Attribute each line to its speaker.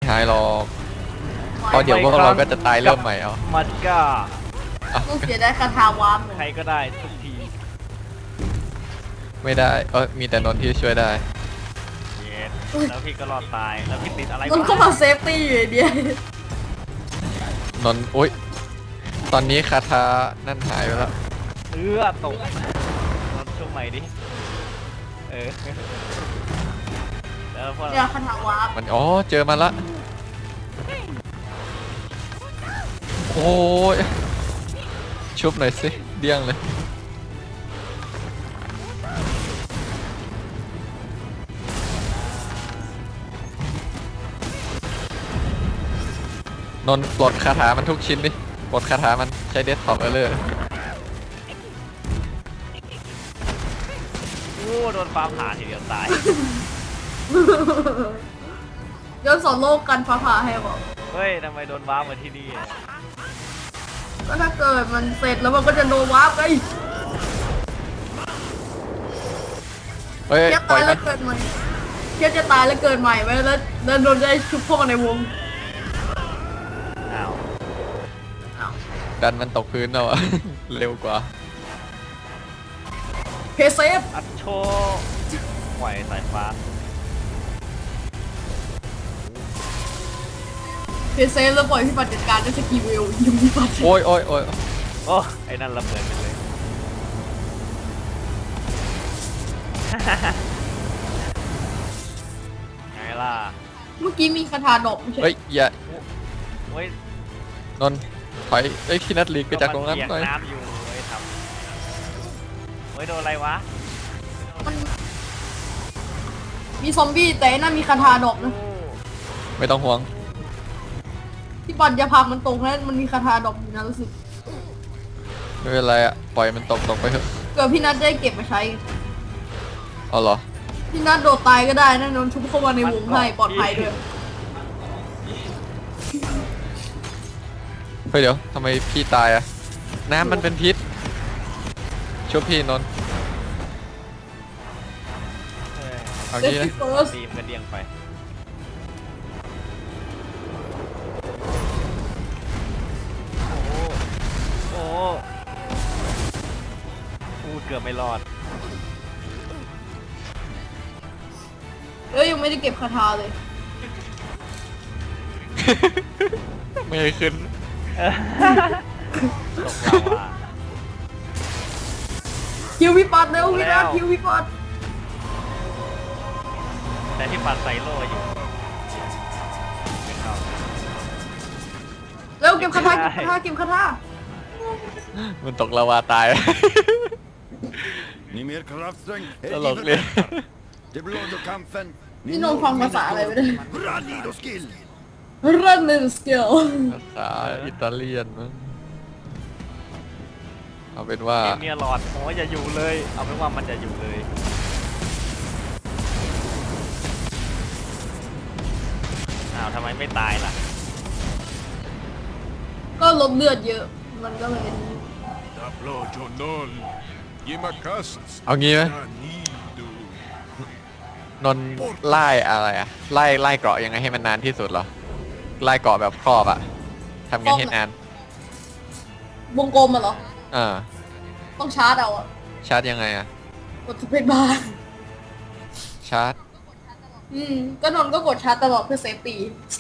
Speaker 1: หายหรอกเพราะเดี๋ยวพวกเราก็จะตายเริ่มใหม่เอา
Speaker 2: มันก็
Speaker 3: ต้องเสียได้คาถาวาม
Speaker 2: ใครก็ได้ทุกที
Speaker 1: ไม่ได้มีแต่นนท์ที่ช่วยได้
Speaker 2: เย็ดแล้วพี่ก็รอดตายแล้วพี่ติดอะไร
Speaker 3: มันก็มาเซฟตี้อยู่เดีย
Speaker 1: นนท์อุ้ยตอนนี้คาถานั่นหายไปแล้ว
Speaker 2: ตกนนช่วงใหม่ดิแล้วพอ
Speaker 3: เนี่ยคาถาวาม
Speaker 1: มันเจอมาละโอ้ยชุบหน่อยสิเดี้ยงเลยนนปลดคาถามันทุกชิ้นดิปลดคาถามันใช้เดสก์ท็อปเลย
Speaker 2: โดนฟ้าผ่าทีเดียวตาย
Speaker 3: ย้อนสอนโลกกันฟ้าผ่าให้บอก
Speaker 2: เฮ้ยทำไมโดนว้ามาที่นี่
Speaker 3: ก็ถ้าเกิดมันเสร็จแล้วมันก็จะโดนวาร์ปไง
Speaker 1: เฮ้ย
Speaker 3: ตายแล้วเกิดใหม่เทียบจะตายแล้วเกิดใหม่ไว้แล้วโดนได้ชุบเข้ามาในวง
Speaker 1: ดันมันตกพื้นเราอะ เร็วกว่า
Speaker 3: เพเซฟ
Speaker 2: อัดโชไหวสายฟ้า
Speaker 3: เพเซฟแล้วปล่อยพี่ปัดจัดการด้วยสกีวิลยิงพี่ปัด
Speaker 1: โอ้ย
Speaker 2: ไอ้นั่นระเบิดไปเลยไงล่ะ
Speaker 3: เมื่อกี้มีคาถาดอกไม่ใช่
Speaker 1: เฮ้ยอย่า
Speaker 2: เฮ้ย
Speaker 1: นนถอยพี่นัทลีกไปจากตรงนั้นหน่อย
Speaker 2: น้ำอยู่เฮ้ยทำโดนอะไรวะ
Speaker 3: มันมีซอมบี้แต่นั่นมีคาถาดอกนะ
Speaker 1: ไม่ต้องห่วง
Speaker 3: พี่ปัดอย่าพังมันตรงนั้นมันมีคาถาดอกอยู่นะรู้สึก
Speaker 1: ไม่เป็นไรอะปล่อยมันตกไปเถอะ
Speaker 3: เกิดพี่นัทได้เก็บมาใช้
Speaker 1: เอาเหรอ
Speaker 3: พี่นัทโดดตายก็ได้นะนนชุบเข้ามาในวงให้ปลอดภัยด้วย
Speaker 1: เฮ้ยเดี๋ยวทำไมพี่ตายอะน้ำมันเป็นพิษช่วยพี่นนท์เอางี้นะ
Speaker 2: ตีมกระเดียงไปโอ้เกือบไม่รอด
Speaker 3: ยังไม่ได้เก็บคาถาเลย
Speaker 1: ไม่ให้ขึ้น
Speaker 2: ตกเราอะ
Speaker 3: คิวพี่ปัดเร็วพี่นัทคิวพี่ปัด
Speaker 2: แต่ที่ปัดใส่โล่อยู่
Speaker 3: เร็วเก็บคาถาเก็บคาถา
Speaker 1: มันตกลาวาตายตลกเลย
Speaker 3: นี่น้องฟังภาษาอะไรไม่ได้รันนี่สกิล
Speaker 1: ภาษาอิตาเลียนมั้งเอาเป็นว่า
Speaker 2: เมียหลอดอย่าอยู่เลยเอาเป็นว่ามันจะอยู่เลยทำไมไม่ตายล่ะ
Speaker 3: ก็ลดเลือดเยอะมันก็เลย
Speaker 1: เอางี้ไหมนนไล่อะไรอะไล่เกราะยังไงให้มันนานที่สุดเหรอไล่เกาะแบบครอบอะทำไงให้นาน
Speaker 3: วงกลมเหรอต้องชาร์จเอาอะ
Speaker 1: ชาร์จยังไงอะ
Speaker 3: กดสเปซบาร์
Speaker 1: ชาร์จ
Speaker 3: ก็นนก็กดชาร์จตลอดเพื่อเซฟตี้